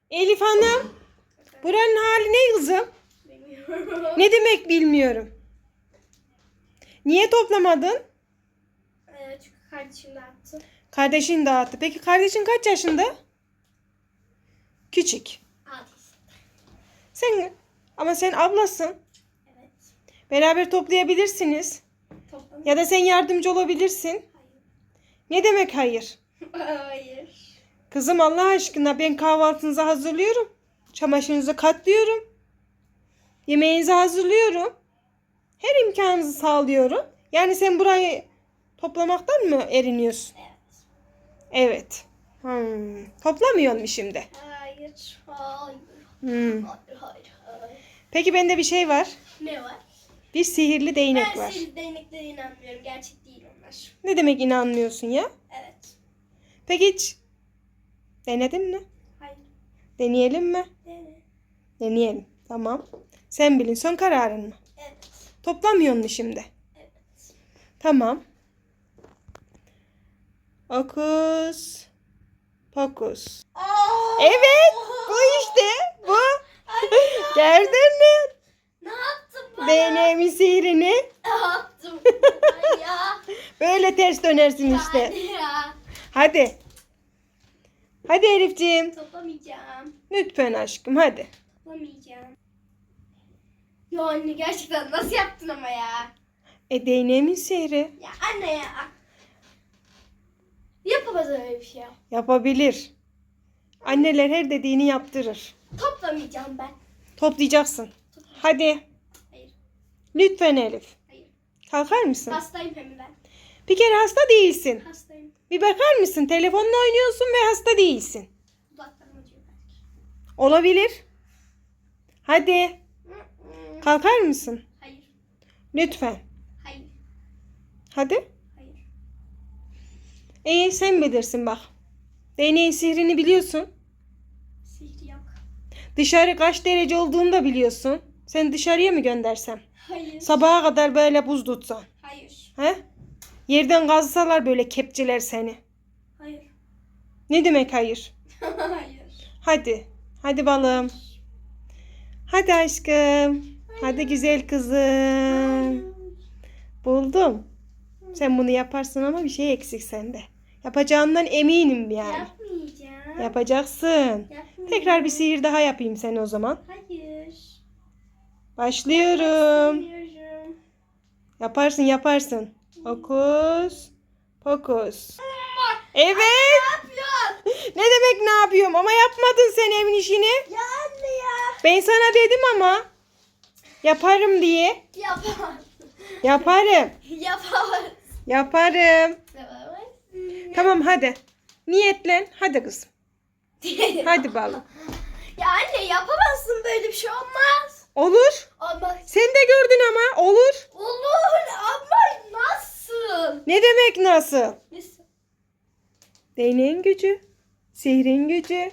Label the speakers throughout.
Speaker 1: Elif Hanım, buranın hali ne kızım?
Speaker 2: Bilmiyorum.
Speaker 1: Ne demek bilmiyorum. Niye toplamadın?
Speaker 2: Çünkü kardeşim de attı.
Speaker 1: Kardeşin dağıttı. Peki kardeşin kaç yaşında? Küçük.
Speaker 2: Hadi.
Speaker 1: Ama sen ablasın.
Speaker 2: Evet.
Speaker 1: Beraber toplayabilirsiniz.
Speaker 2: Toplam.
Speaker 1: Ya da sen yardımcı olabilirsin.
Speaker 2: Hayır.
Speaker 1: Ne demek hayır?
Speaker 2: Hayır.
Speaker 1: Kızım Allah aşkına ben kahvaltınızı hazırlıyorum. Çamaşırınızı katlıyorum. Yemeğinizi hazırlıyorum. Her imkanınızı sağlıyorum. Yani sen burayı toplamaktan mı eriniyorsun?
Speaker 2: Evet.
Speaker 1: Evet. Toplamıyor mu şimdi?
Speaker 2: Hayır. Hayır.
Speaker 1: Hmm.
Speaker 2: Hayır.
Speaker 1: Peki bende bir şey var.
Speaker 2: Ne var?
Speaker 1: Bir sihirli değnek
Speaker 2: Ben
Speaker 1: var.
Speaker 2: senin değneklere inanmıyorum. Gerçek değil onlar.
Speaker 1: Ne demek inanmıyorsun ya?
Speaker 2: Evet.
Speaker 1: Peki hiç denedin mi?
Speaker 2: Hayır.
Speaker 1: Deneyelim mi?
Speaker 2: Dene.
Speaker 1: Deneyelim. Tamam. Sen bilin son kararın mı?
Speaker 2: Evet.
Speaker 1: Toplamıyor mu şimdi?
Speaker 2: Evet.
Speaker 1: Tamam. Okus. Pokus. Evet. Bu işte. Bu. Gördün mü?
Speaker 2: Ne yaptın bana?
Speaker 1: Değneğimin sihrini.
Speaker 2: Ne yaptın bana ya?
Speaker 1: Böyle ters dönersin işte.
Speaker 2: Hadi ya.
Speaker 1: Hadi. Hadi Elifciğim.
Speaker 2: Toplamayacağım.
Speaker 1: Lütfen aşkım hadi.
Speaker 2: Toplamayacağım. Ya anne gerçekten nasıl yaptın ama ya?
Speaker 1: Değneğimin sihri.
Speaker 2: Ya anne ya. Yapamaz öyle bir şey.
Speaker 1: Yapabilir. Anneler her dediğini yaptırır.
Speaker 2: Toplamayacağım ben.
Speaker 1: Toplayacaksın. Hadi.
Speaker 2: Hayır.
Speaker 1: Lütfen Elif.
Speaker 2: Hayır.
Speaker 1: Kalkar mısın?
Speaker 2: Hastayım hem ben.
Speaker 1: Bir kere hasta değilsin.
Speaker 2: Hastayım.
Speaker 1: Bir bakar mısın? Telefonla oynuyorsun ve hasta değilsin.
Speaker 2: Dudaklarım acıyor belki.
Speaker 1: Olabilir. Hadi. Kalkar mısın?
Speaker 2: Hayır.
Speaker 1: Lütfen.
Speaker 2: Hayır.
Speaker 1: Hadi.
Speaker 2: Hayır.
Speaker 1: İyi sen bilirsin bak. Değneğin sihrini biliyorsun.
Speaker 2: Sihri yok.
Speaker 1: Dışarı kaç derece olduğunu da biliyorsun. Seni dışarıya mı göndersem?
Speaker 2: Hayır.
Speaker 1: Sabaha kadar böyle buz tutsan.
Speaker 2: Hayır.
Speaker 1: He? Yerden kazsalar böyle kepçeler seni.
Speaker 2: Hayır.
Speaker 1: Ne demek hayır?
Speaker 2: Hayır.
Speaker 1: Hadi. Hadi balım. Hadi aşkım. Hadi güzel kızım. Buldum. Sen bunu yaparsın ama bir şey eksik sende. Yapacağından eminim yani.
Speaker 2: Yapmayacağım.
Speaker 1: Yapacaksın.
Speaker 2: Yapmayacağım.
Speaker 1: Tekrar bir sihir daha yapayım sen o zaman.
Speaker 2: Hayır.
Speaker 1: Başlıyorum.
Speaker 2: Bilmiyorum.
Speaker 1: Yaparsın yaparsın. Hokus pokus. Evet.
Speaker 2: Ne yapıyorsun?
Speaker 1: Ne demek ne yapıyorum ama yapmadın sen evin işini.
Speaker 2: Ya anne ya.
Speaker 1: Ben sana dedim ama. Yaparım diye.
Speaker 2: Yapamaz.
Speaker 1: Yaparım.
Speaker 2: Yapamaz.
Speaker 1: Yaparım.
Speaker 2: Yapamaz.
Speaker 1: Tamam hadi. Niyetlen. Hadi kızım. Hadi balım.
Speaker 2: Ya anne yapamazsın, böyle bir şey olmaz.
Speaker 1: Olur.
Speaker 2: Olmaz.
Speaker 1: Sen de gördün ama. Olur.
Speaker 2: Olur ama nasıl?
Speaker 1: Ne demek nasıl?
Speaker 2: Nasıl?
Speaker 1: Değneğin gücü. Sihrin gücü.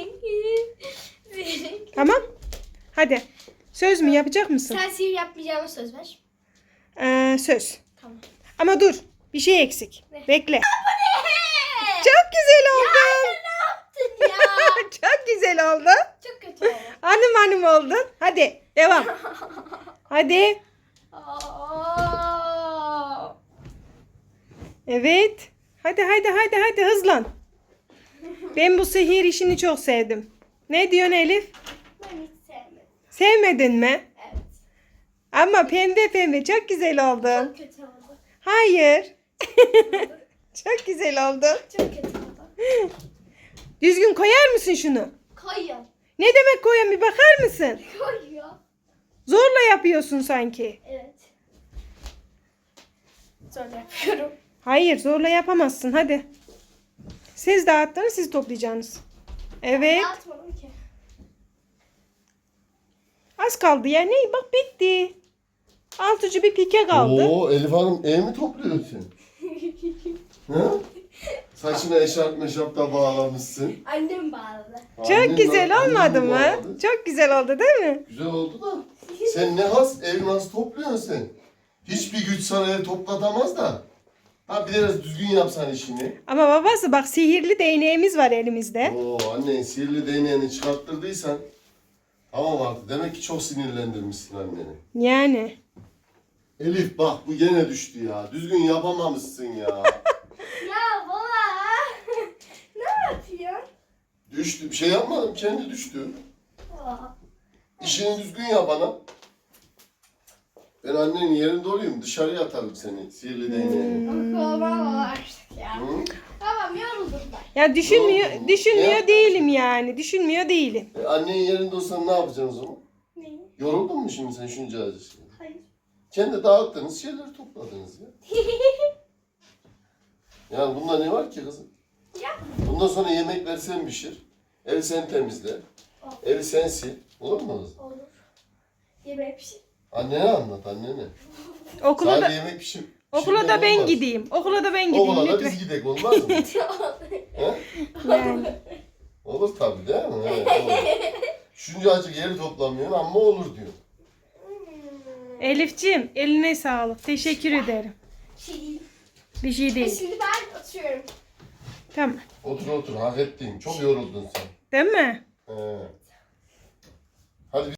Speaker 1: Tamam. Hadi. Söz mü yapacak mısın?
Speaker 2: Sen sihir yapmayacağıma söz ver.
Speaker 1: Söz.
Speaker 2: Tamam.
Speaker 1: Ama dur. Bir şey eksik.
Speaker 2: Ne?
Speaker 1: Bekle. Çok güzel
Speaker 2: Ya
Speaker 1: oldu.
Speaker 2: anne ne yaptın ya?
Speaker 1: Çok güzel oldu.
Speaker 2: Çok kötü oldu.
Speaker 1: Hanım oldun. Hadi devam. Hadi.
Speaker 2: Aa.
Speaker 1: Evet. Hadi hızlan. Ben bu sihir işini çok sevdim. Ne diyorsun Elif?
Speaker 2: Ben hiç sevmedim.
Speaker 1: Sevmedin mi?
Speaker 2: Evet.
Speaker 1: Ama pembe çok güzel oldun.
Speaker 2: Çok kötü oldu.
Speaker 1: Hayır. Çok güzel oldun.
Speaker 2: Çok kötü oldu.
Speaker 1: Düzgün koyar mısın şunu?
Speaker 2: Koyuyor.
Speaker 1: Ne demek koyan bir bakar mısın?
Speaker 2: Koyuyor.
Speaker 1: Zorla yapıyorsun sanki.
Speaker 2: Evet. Sonra yapıyorum.
Speaker 1: Hayır zorla yapamazsın hadi. Siz dağıttınız siz toplayacaksınız. Evet.
Speaker 2: Atmadım ki.
Speaker 1: Az kaldı ya. Ne? Bak bitti. Altıcı bir pike kaldı.
Speaker 3: Oo Elif Hanım ev mi topluyorsun? Ha? Saçına eşarp meşarp da bağlamışsın.
Speaker 2: Annem bağladı.
Speaker 1: Çok
Speaker 3: Annen
Speaker 1: güzel
Speaker 3: annen
Speaker 1: olmadı
Speaker 3: mi
Speaker 1: mı?
Speaker 3: bağladı?
Speaker 1: Çok güzel oldu değil mi?
Speaker 3: Güzel oldu da. Sen ne has ev nasıl topluyorsun sen? Hiçbir güç sana ev toplatamaz da. Ha biraz düzgün yapsan işini.
Speaker 1: Ama babası bak sihirli değneğimiz var elimizde.
Speaker 3: Oo annen sihirli değneğini çıkarttırdıysan tamam artık. Demek ki çok sinirlendirmişsin anneni.
Speaker 1: Yani.
Speaker 3: Elif bak bu gene düştü ya. Düzgün yapamamışsın ya.
Speaker 2: Ya baba. Ne yapıyorsun?
Speaker 3: Düştü. Bir şey yapmadım. Kendi düştü.
Speaker 2: Baba.
Speaker 3: İşini düzgün yap ana. Ben annenin yerinde olayım. Dışarıya atarım seni. Sihirli değneğini.
Speaker 2: Baba artık ya.
Speaker 3: Hı?
Speaker 2: Tamam yoruldum ben.
Speaker 1: Ya düşünmüyor,
Speaker 3: Doğru.
Speaker 1: düşünmüyor
Speaker 3: Ne?
Speaker 1: değilim yani. Düşünmüyor değilim.
Speaker 3: Annenin yerinde olsan ne yapacaksın o zaman?
Speaker 2: Neyi?
Speaker 3: Yoruldun mu şimdi sen şunca acısını?
Speaker 2: Hayır.
Speaker 3: Kendi dağıttığınız şeyleri topladınız ya. Yani bunda ne var ki kızım?
Speaker 2: Ya.
Speaker 3: Bundan sonra yemekler sen pişir. Ev sen temizle. Evi sen sil. Olur mu kızım?
Speaker 2: Olur. Yemek pişir.
Speaker 3: Annene anlat annene.
Speaker 1: Okula
Speaker 3: Sadece
Speaker 1: da
Speaker 3: yemek pişir.
Speaker 1: okula da ben
Speaker 3: olmaz.
Speaker 1: gideyim. Okula da ben gideyim
Speaker 3: Okula da
Speaker 1: lütfen.
Speaker 3: biz gidek olmaz mı? He?
Speaker 1: Yani.
Speaker 3: Olur tabii değil mi? Evet, olur. Şuncacık yeri toplamıyorsun ama olur diyor.
Speaker 1: Elifciğim eline sağlık. Teşekkür ederim.
Speaker 2: Şey.
Speaker 1: Bir şey değil.
Speaker 2: Şimdi ben atıyorum.
Speaker 1: Tamam.
Speaker 3: Otur otur hak ettin. Çok yoruldun sen.
Speaker 1: Değil mi?
Speaker 3: He. Hadi